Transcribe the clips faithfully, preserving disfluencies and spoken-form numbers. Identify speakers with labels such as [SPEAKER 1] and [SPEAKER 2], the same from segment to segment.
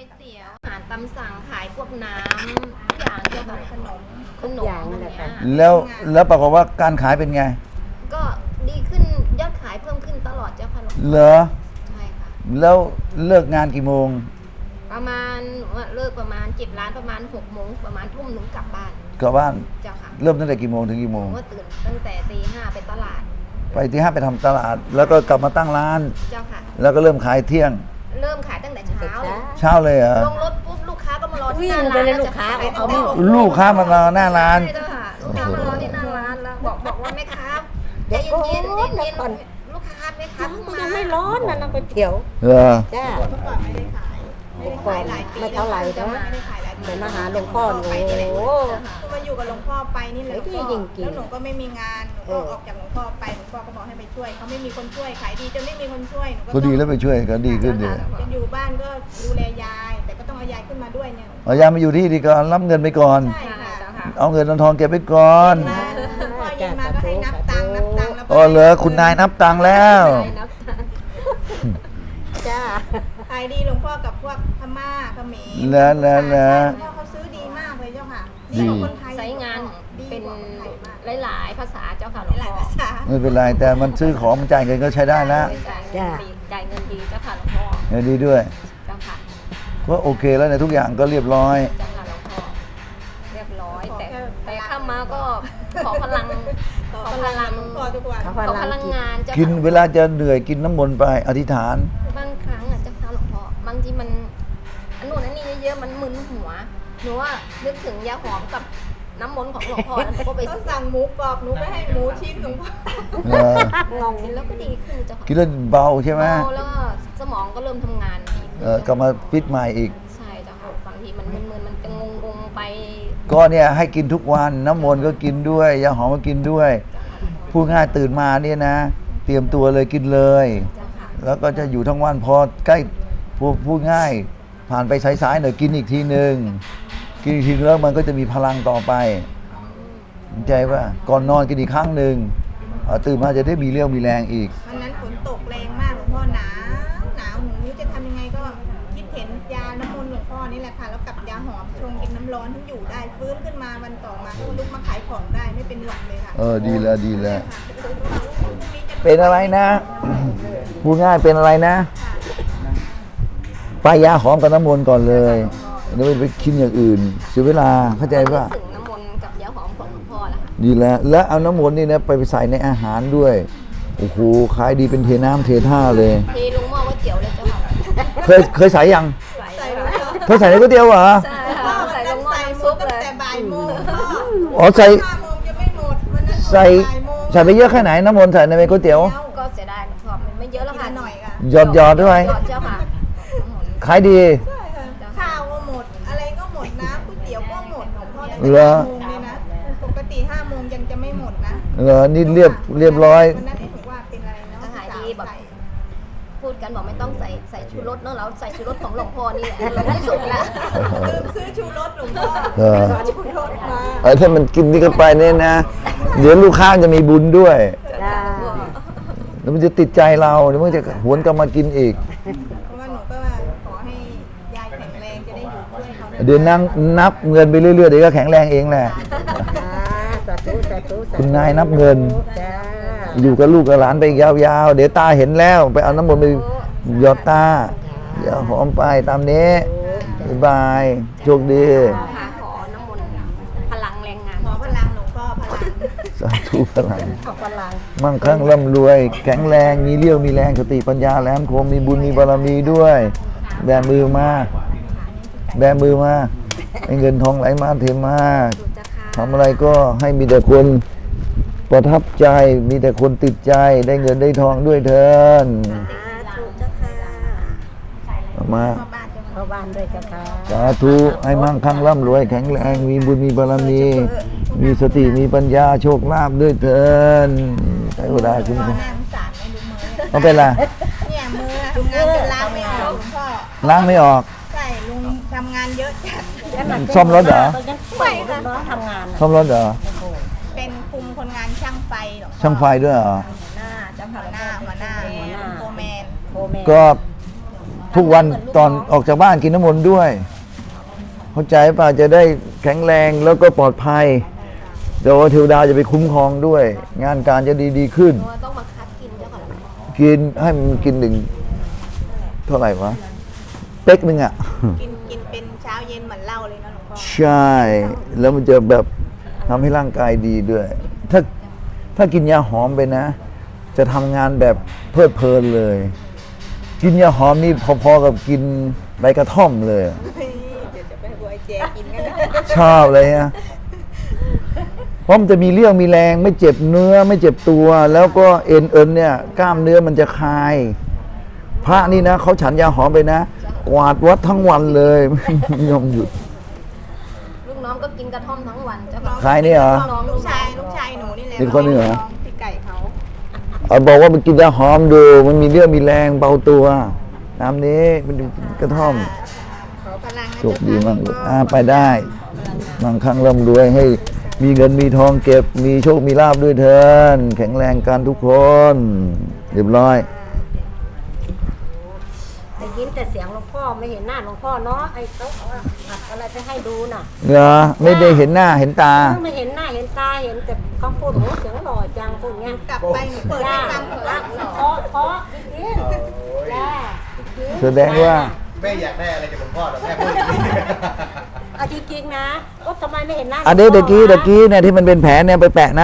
[SPEAKER 1] วยเตี๋ยวอาหารตามสั่งขายพวกน้ำทุกอย่างเกี่ยวกับขนมขนมอะไรเงี้ย
[SPEAKER 2] แล้วแล้วปรากฏว่าการขายเป็นไง
[SPEAKER 1] ก็ดีขึ้นยอดขายเพิ่มขึ้นตลอดเจ้าค่ะหลวงพ่อ
[SPEAKER 2] เหรอ
[SPEAKER 1] ใช่ค่ะ
[SPEAKER 2] แล้วเลิกงานกี่โมง
[SPEAKER 1] ประมาณเลิกประมาณเจ็บร้านประมาณหกโมงประมาณทุ่มหนึ่งกลับบ้าน
[SPEAKER 2] กลับบ้าน
[SPEAKER 1] เจ้าค่ะ
[SPEAKER 2] เริ่มตั้งแต่กี่โมงถึงกี่โมง
[SPEAKER 1] ผมก็ตื่นตั้งแต่ตีห้าไปตลาด
[SPEAKER 2] ไปที่ห้าไปทำตลาด แล้วก็กลับมาตั้งร้าน
[SPEAKER 1] เจ้าค่ะ
[SPEAKER 2] แล้วก็เริ่มขายเที่ยง
[SPEAKER 1] เริ่มขายตั้งแต่เช้าเลย
[SPEAKER 2] เช้าเลยเหรอ
[SPEAKER 1] ลงรถปุ๊บลูกค้าก็มารอที่
[SPEAKER 3] วิ่
[SPEAKER 1] ห
[SPEAKER 3] ง
[SPEAKER 1] น้า
[SPEAKER 3] ไป
[SPEAKER 1] ร้าน
[SPEAKER 3] เลยลูกค้า
[SPEAKER 1] จะขย
[SPEAKER 3] เอาไม่
[SPEAKER 1] ตั้งแต่
[SPEAKER 2] ลูกค้ามารอหน้าร้าน
[SPEAKER 1] ใช่เจ้าค่ะลูกค้ามารอที่หน้าร้านแล้วบอกบอกว่าแม่ค้าใจเย็นๆเย็นๆเย็นๆลูกค้าแม่ค้าเพิ่ง
[SPEAKER 3] มัน
[SPEAKER 1] มา
[SPEAKER 3] ยังไม่ร้อนนะน้ำก๋วยเตี๋ยว
[SPEAKER 2] เหรอ
[SPEAKER 3] จ้า
[SPEAKER 4] เมื่อก่อนไม่ได้ขายไม่ได้ขายหลายปี
[SPEAKER 3] ไม่เท่าไหร่
[SPEAKER 4] แล้ว
[SPEAKER 3] นะ
[SPEAKER 4] ไม่ได้ขายหลายปี
[SPEAKER 3] เดี๋ยวมาหาหลวงพ่อหนู
[SPEAKER 4] ไปนี่แหละ
[SPEAKER 3] โอ้
[SPEAKER 4] คือมาอยู่กับหลวงพ่อไปนี่แหละ
[SPEAKER 3] เฮ้ย
[SPEAKER 4] หลวงพ่อ
[SPEAKER 3] จริงๆ
[SPEAKER 4] แล้วหนูก็ไม่มีงานหนูก็ออกจากหลวงพ่อไปหลวงพ่อก็บอกให้ไปช่วยเขาไม่มีคนช่วยขายดีจนไม่มีคนช่วยหนูก็
[SPEAKER 2] ก็ดีแล้วไปช่วยก็ดีขึ้นดี
[SPEAKER 4] จะอยู่บ้านก็ดูแลยาย แต่ก็ต้องเอายายขึ้นมาด้วยเนี่ย
[SPEAKER 2] เอายามาอยู่ที่ดีก่อนรับเงินไปก่อน
[SPEAKER 4] ใช่ค่ะ
[SPEAKER 1] เจ้าค่ะ
[SPEAKER 2] เอาเงินเอาทองเก็บไว้ก่อน
[SPEAKER 4] มาหลวงพ่อเย็นมาก็ให้นับตังค์นับตังค์แล้ว
[SPEAKER 2] อ๋อเหรอคุณนายนับตังค์แล้ว
[SPEAKER 3] จ้า
[SPEAKER 4] ขายดีหลวงพ่อกับพวกพม่าเขมร
[SPEAKER 2] แล้วแล้วแล้ว
[SPEAKER 4] หลวงพ่อเขาซื้อดีมากเลยเจ้าค่ะดีกว่าคนไทย
[SPEAKER 1] ใช้งาน
[SPEAKER 4] ดี
[SPEAKER 1] เป็น
[SPEAKER 4] กว่าคนไทยมาก
[SPEAKER 1] หลายๆภาษาเจ้าค่ะหลวง
[SPEAKER 4] หลาย
[SPEAKER 1] พ่อ
[SPEAKER 4] ภาษา
[SPEAKER 2] ไม่เป็นไรแต่มันซื้อของมันจ่ายเงินก็ใช้ได้แล้ว
[SPEAKER 1] จ่ายเงินดีจ่ายเงินดีเจ้าค่ะหลวงพ่อ
[SPEAKER 2] เออดีด้วย
[SPEAKER 1] เจ้าค่ะ
[SPEAKER 2] ก็โอเคแล้วในทุกอย่างก็เรียบร้อย
[SPEAKER 1] เจ้าค่ะหลวงพ่อเรียบร้อย แต่แต่เข้ามาก็ขอพลัง
[SPEAKER 4] ขอพลังหลวงพ่อทุกวัน
[SPEAKER 3] เขา
[SPEAKER 1] ข
[SPEAKER 3] พ
[SPEAKER 1] อ
[SPEAKER 3] ลั
[SPEAKER 1] พ
[SPEAKER 3] ง
[SPEAKER 1] ลัง
[SPEAKER 3] กิน
[SPEAKER 1] งานเจ้า
[SPEAKER 2] กิน
[SPEAKER 1] ค่ะ
[SPEAKER 2] เวลาจะเหนื่อยกินน้ำมนต์ไปอธิษฐาน
[SPEAKER 1] บางครั้งอ่ะเจ้าค่ะหลวงพ่อบางทีมันอันนู้นอันนี้เยอะๆมันมึนหัวหนูว่านึกถึงยาหอมกับน้ำมนต์ของหลวงพ่อแล้วหนูก็ไป
[SPEAKER 4] เขาสั่งหมูกรอบหนูไปให้หมูชิ้นหลวงพ่อ
[SPEAKER 2] เออ
[SPEAKER 3] งง
[SPEAKER 1] กินแล้วก็ดีขึ้นเจ้าค่ะ
[SPEAKER 2] กินแล้วเบาใช่ไหม
[SPEAKER 1] เบาแล้วก็สมองก็เริ่มทำงานดีขึ้น
[SPEAKER 2] เออกลับมาฟิตใหม่อีก
[SPEAKER 1] ใช่เจ้าค่ะบางทีมันมึนๆมันจะงงๆไป
[SPEAKER 2] ก็เนี่ยให้กินทุกวันน้ำมนต์ก็กินด้วยยาหอมก็กินด้วยพูดง่ายตื่นมาเนี่ยนะ เตรียมตัวเลยกินเลย
[SPEAKER 1] เจ้าค่ะ
[SPEAKER 2] แล้วก็จะอยู่ทั้งวันพอใกล้พูดพูดง่าย ผ่านไปสายๆหน่อยกินอีกทีหนึ่งกินอีกทีแล้วมันก็จะมีพลังต่อไปเข้าใจว่าก่อนนอนกินอีกครั้งหนึ่งเอ่อตื่นมาจะได้มีเรี่ยวมีแรงอีก
[SPEAKER 4] วันนั้นฝนตกแรงมากหลวงพ่อหนาวหนาวหนูไม่รู้จะทำยังไงก็คิดเห็นยาน้ำมนต์หลวงพ่อนี่แหละค่ะแล้วกับยาหอมชงกินน้ำร้อนทั้งอยู่ได้ฟื้นขึ้นมาวันต่อมาก็ลุกมาขายของได้ไม่เป็นหวัดเลยค่ะ
[SPEAKER 2] เออดีแล้วดีแล้ว
[SPEAKER 4] ค่ะ
[SPEAKER 2] เป็นอะไรนะ พูดง่ายเป็นอะไรนะไปยาหอมกับน้ำมนต์ก่อนเลยแล้วไปคิดอย่างอื่นเสียเวลาเข้าใจป่ะ
[SPEAKER 1] ถึงน้ำมนต์กับยาหอมของหลวงพ่อแล้วค่ะ
[SPEAKER 2] ดีแล้วแล้วเอาน้ำมนต์นี่นะไปใส่ในอาหารด้วยโอ้โหขายดีเป็นเทน้ำเทท่าเลย
[SPEAKER 1] เทลงหม้อก๋วยเตี๋ยวเลยเจ้าค่ะ
[SPEAKER 2] เคยเคยใส่ยัง
[SPEAKER 1] ใส่
[SPEAKER 4] ใส่
[SPEAKER 1] แล้
[SPEAKER 4] แล้ว ว
[SPEAKER 2] เธอใส่ในก๋วยเตี๋ยวเหรอ
[SPEAKER 1] ใช่
[SPEAKER 4] พ่อ
[SPEAKER 1] ค่ะ
[SPEAKER 4] วัน
[SPEAKER 1] ใส่ล
[SPEAKER 4] นั้น
[SPEAKER 1] งหม้อ
[SPEAKER 4] ใส่
[SPEAKER 1] น้ำ
[SPEAKER 4] หม
[SPEAKER 1] ซุ
[SPEAKER 4] ด
[SPEAKER 1] ป
[SPEAKER 4] ตั้
[SPEAKER 1] เล
[SPEAKER 4] ง
[SPEAKER 1] ย
[SPEAKER 4] แต่บ่ายโมงพ่อ
[SPEAKER 2] อ๋อใส่
[SPEAKER 4] ห้าโมงจะไม่หมดวันนั้น
[SPEAKER 2] ใส่
[SPEAKER 4] บ่ายโมง
[SPEAKER 2] ใส่ไปเยอะแค่ไหนน้ำมนต์ใส่ในก๋วยเตี๋ยว
[SPEAKER 1] ก็เสียดายหลวงพ่อมันไม่เยอะแล้ว
[SPEAKER 4] กิ
[SPEAKER 1] ค่ะ
[SPEAKER 4] นหน่อยค่ะ
[SPEAKER 2] หยอดหยอดด้วย
[SPEAKER 1] หยอดเจ้าค่ะน้ำมนต์
[SPEAKER 2] ขายดี
[SPEAKER 4] ใช่ค่ะข้าวก็หมดอะไรก็หมดนะก๋วยเตี๋ยวก็หมดหลวงพ่อตั้ง
[SPEAKER 2] เหร
[SPEAKER 4] แต่
[SPEAKER 2] อ
[SPEAKER 4] ห้าโมงเลยนะปกติห้าโมงยังจะไม่หมดนะ
[SPEAKER 2] เหรอนี่เรียบเรียบร้อย
[SPEAKER 4] วันนั้นเอ๊ะหนูว่าเป็นอะไรเนาะ
[SPEAKER 1] อาหารดีแบบ
[SPEAKER 4] ใส่
[SPEAKER 1] พูดกันบอกไม่ต้องใส่ใส่ชูรสเนอะเราใส่ชูรสของหลวงพ่อนี่แหละที่สุดแล้ว
[SPEAKER 4] ลืมซื้อชูรสหลวงพ่อ
[SPEAKER 2] เออ
[SPEAKER 4] ชูรสมา
[SPEAKER 2] เออถ้ามันกินนี่ก็ไปเนี่ยนะ เดี๋ยวลูกค้าจะมีบุญด้วย
[SPEAKER 3] จ้า
[SPEAKER 2] แล้วมันจะติดใจเราเดี๋ยวมันจะหวนกลับมากินอีก
[SPEAKER 4] เพราะว่าหนูก็ว่าขอให้ยายแข็งแรงจะได้อยู่ช่วยเขา
[SPEAKER 2] เดี๋ยวนั่งนับเงินไปเรื่อยๆเดี๋ยวก็แข็งแรงเองแหละ
[SPEAKER 3] จ้าสาธุสาธุสาธุ
[SPEAKER 2] คุณนายนับเงิน
[SPEAKER 3] จ้า
[SPEAKER 2] อยู่กับลูกกับหลานไปยาวๆ เดี๋ยวตาเห็นแล้ว ไปเอาน้ำมนต์ไปหยอดตาเดี๋ยวหอมไปตามนี้บ๊ายบายโชคดี
[SPEAKER 1] ค่ะขอน้ำมนต์พลังแรงงาน
[SPEAKER 4] ขอพลังหลวงพ่อพลัง
[SPEAKER 2] สาธุพลัง
[SPEAKER 3] ขอบพลัง
[SPEAKER 2] มั่งคั่งร่ำรวย แข็งแรงมีเรี่ยวมีแรงสติปัญญาแหลมคมมีบุญมีบารมีด้วย แบมือมาแบมือมาให้เงินทองไหลมาเทมา
[SPEAKER 1] สุดจะค่ะ
[SPEAKER 2] ทำอะไรก็ให้มีแต่คนประทับใจ มีแต่คนติดใจได้เงินได้ทองด้วยเถิน
[SPEAKER 3] สาธุเจ้าค่ะ
[SPEAKER 2] เอามา
[SPEAKER 4] พ่อบ้านจะมา
[SPEAKER 3] เข้าบ้านด้วยเจ้าค่ะ
[SPEAKER 2] สาธุให้มั่งคั่งร่ำรวย แข็งแรงมีบุญมีบารมี มีสติมีปัญญาโชคลาภด้วยเถินใช้เวลาคุ้ม
[SPEAKER 4] พ่อ
[SPEAKER 2] ครอง
[SPEAKER 4] หน้าสงสารไม่รู้มือ
[SPEAKER 2] เอาเป็นไร
[SPEAKER 4] เนี่ยมือทำงานจนล้างไม่ออกหลวงพ่อ
[SPEAKER 2] ล้างไม่ออก
[SPEAKER 4] ใช่ลุงทำงานเยอะจัด
[SPEAKER 2] ซ่อมรถเหรอ
[SPEAKER 3] ไม่ค่ะน้องทำงานน่ะ
[SPEAKER 2] ซ่อมรถเหรอ
[SPEAKER 4] เป็นคุมคนงานช่างไฟหลวงพ่อ
[SPEAKER 2] ช่างไฟด้วยเหรอ
[SPEAKER 4] หัวหน้าเจ้าหัวหน้าหัวหน้าโฟร์แมน
[SPEAKER 3] โคแมน
[SPEAKER 2] ก็ทุกวันตอนออกจากบ้านกินน้ำมนต์ด้วย เข้าใจป่ะจะได้แข็งแรงแล้วก็ปลอดภัยเดี๋ยวเทวดาจะไปคุ้มครองด้วย งานการจะดีดีๆขึ้น
[SPEAKER 1] หนูว่าต้องมาคัดกินเจ้าค่ะหลวงพ่อ
[SPEAKER 2] กินให้มันกินหนึ่งเท่าไหร่วะเป๊กหนึ่งอ่ะ
[SPEAKER 4] กินกินเป็นเช้าเย็นเหมือนเหล้าเลยนะหลวงพ่อ
[SPEAKER 2] ใช่ แล้วมันจะแบบทำให้ร่างกายดีด้วย ถ้าถ้ากินยาหอมไปนะ จะทำงานแบบเพลิดเพลินเลย กินยาหอมนี่พอๆกับกินใบกระท่อมเลย
[SPEAKER 4] เฮ้ยเดี๋ยวจะไปบวยแจกินกันนะ
[SPEAKER 2] ชอบเลยนะเพราะมันจะมีเรี่ยวมีแรงไม่เจ็บเนื้อไม่เจ็บตัว แล้วก็เอ็นเอ็นเนี่ยกล้ามเนื้อมันจะคลาย พระนี่นะเขาฉันยาหอมไปนะ กวาดวัดทั้งวันเลย ไม่ยอมหยุด
[SPEAKER 1] ลูกน้องก็กินกระท่อมทั้งวันเจ้า
[SPEAKER 4] น้
[SPEAKER 1] ค่ะ
[SPEAKER 4] อง
[SPEAKER 2] ใครเนี่ยเหรอ
[SPEAKER 4] น้องลูกชายลูกชายหนูนี่แหละ
[SPEAKER 2] อีกคนหนึ่งเหรอ
[SPEAKER 4] น้องพี่ไก่เขา
[SPEAKER 2] เอาบอกว่ามันกินยาหอมดู มันมีเรี่ยวมีแรงเบาตัวน้ำนี้มันกระท่อม
[SPEAKER 4] ขอพลังนะ
[SPEAKER 2] โชคดี
[SPEAKER 4] เจ้
[SPEAKER 2] มาก
[SPEAKER 4] ค่ะ
[SPEAKER 2] ลูกอ่าไปได้บางครั้งร่ำรวยให้มีเงินมีทองเก็บ มีโชคมีลาบด้วยเถินแข็งแรงกันทุกคน เรียบร้อย
[SPEAKER 3] ได้ยินแต่เสียงหลวงพ่อไม่เห็นหน้าหลวงพ่อเนาะไอ้เขาเอาอัดอะไรไปให้ดูน่ะ
[SPEAKER 2] เหรอไม่ได้เห็นหน้าเห็นตา
[SPEAKER 3] ไม่เห็นหน้าเห็นตาเห็นแต่คำพูดโหเสียงหล่อจังพูดเงี้ย
[SPEAKER 4] กลับไปหนูเปิดให้ฟังเถ
[SPEAKER 3] จ้า
[SPEAKER 4] อะ
[SPEAKER 3] เพราะเพราะจริงๆจ้าจริงๆ
[SPEAKER 2] แสดงว่า
[SPEAKER 5] แม่อยากได้อะไรจากหลวงพ่อแต่แม่พูดอย่างนี้
[SPEAKER 3] เอาจริงๆนะก็ทำไมไม่เห็นหน้า
[SPEAKER 2] อันนี้เมื่อกี้เมื่อกี้เนี่ยที่มันเป็นแผลเนี่ยไปแปะนะ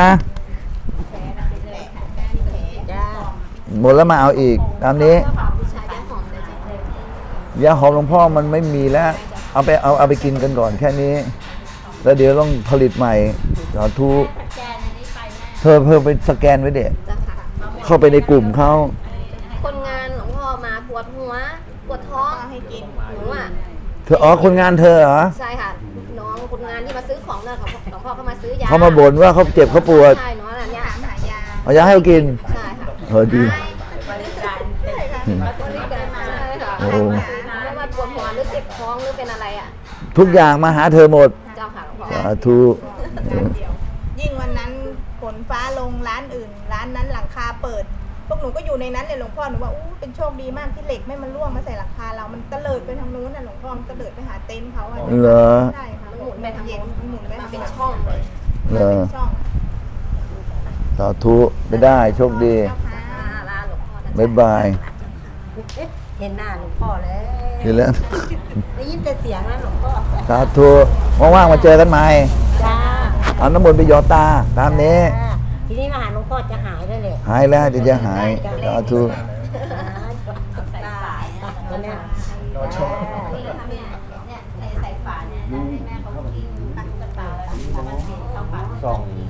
[SPEAKER 3] จ้า
[SPEAKER 2] หมดแล้วมาเอาอีกตามนี้
[SPEAKER 1] ผู้ชายยาหอมเลยเจ้าค่ะ
[SPEAKER 2] ยาหอมหลวงพ่อมันไม่มีแล้ว เอาไปเอาเอาไปกินกันก่อนแค่นี้ แล้วเดี๋ยวต้องผลิตใหม่สาธุเธอเพิ่มไปสแกนไว้เด็ด
[SPEAKER 1] เจ้าค่ะ
[SPEAKER 2] เข้าไปในกลุ่มเขา
[SPEAKER 1] คนงานหลวงพ่อมาปวดหัวปวดท้อง
[SPEAKER 4] เอาให้กิน
[SPEAKER 1] หนูอ่ะ
[SPEAKER 2] เธออ๋อคนงานเธอเหรอ
[SPEAKER 1] ใช่ค่ะน้องคนงานที่มาซื้อของเนี่ยของหลวงพ่อเขามาซื้อยา
[SPEAKER 2] เขามาบ่นว่าเขาเจ็บเขาปวด
[SPEAKER 1] ใช่เนาะเนี่ย
[SPEAKER 4] ถามหายา
[SPEAKER 2] เอายาให้เขากิน
[SPEAKER 1] ใช่ค่ะ
[SPEAKER 2] เออดี
[SPEAKER 1] บริการใช่ค่ะบริการใช่ค่ะ
[SPEAKER 2] โอ้
[SPEAKER 1] ไม่ว่าปวดหัวหรือเจ็บท้องหรือเป็นอะไรอ่ะ
[SPEAKER 2] ทุกอย่างมาหาเธอหมด
[SPEAKER 1] เจ้าค่ะหลวงพ่อ
[SPEAKER 2] สาธุ
[SPEAKER 4] ยิ่งวันนั้นฝนฟ้าลงร้านอื่น ร้านนั้นหลังคาเปิด พวกหนูก็อยู่ในนั้นเลยหลวงพ่อหนูว่าอู้เป็นโชคดีมากที่เหล็กไม่มันร่วงมาใส่หลังคาเรา มันตะเลิดไปทางนู้นน่ะหลวงพ่อมันตะเลิดไปหาเต็นท์เขาอะ
[SPEAKER 2] เหรอ
[SPEAKER 4] ใช่ค่ะ
[SPEAKER 1] มันหมุนไปทาง
[SPEAKER 4] เย็น
[SPEAKER 1] โน้น
[SPEAKER 4] มันหมุนไป
[SPEAKER 1] มา
[SPEAKER 4] ทาง
[SPEAKER 1] เป็น
[SPEAKER 4] หลัง
[SPEAKER 1] ช่องเลย
[SPEAKER 2] เหรอ
[SPEAKER 4] เป็นช่อง
[SPEAKER 2] สาธุไปได้โชคดี
[SPEAKER 4] เจ้าค่ะ
[SPEAKER 1] ลาลาหลวงพ่อนะ
[SPEAKER 2] บ๊ายบาย
[SPEAKER 3] เห็นหน้าหลวงพ่อแล้ว
[SPEAKER 2] เห็นแล้ว
[SPEAKER 3] ได้ยินแต่เสียงนะหลวงพ่อ
[SPEAKER 2] สาธุว่างๆมาเจอกันใหม่
[SPEAKER 3] จ้า
[SPEAKER 2] เอาน้ำมนต์ไปหยอดตาตามนี้
[SPEAKER 3] จ้าทีนี้มาหาหลวงพ่อจะหายได้เลย
[SPEAKER 2] หายแล้วเดี๋ยวจะหายสาธุ
[SPEAKER 3] วันเนี้ย
[SPEAKER 5] ส่อง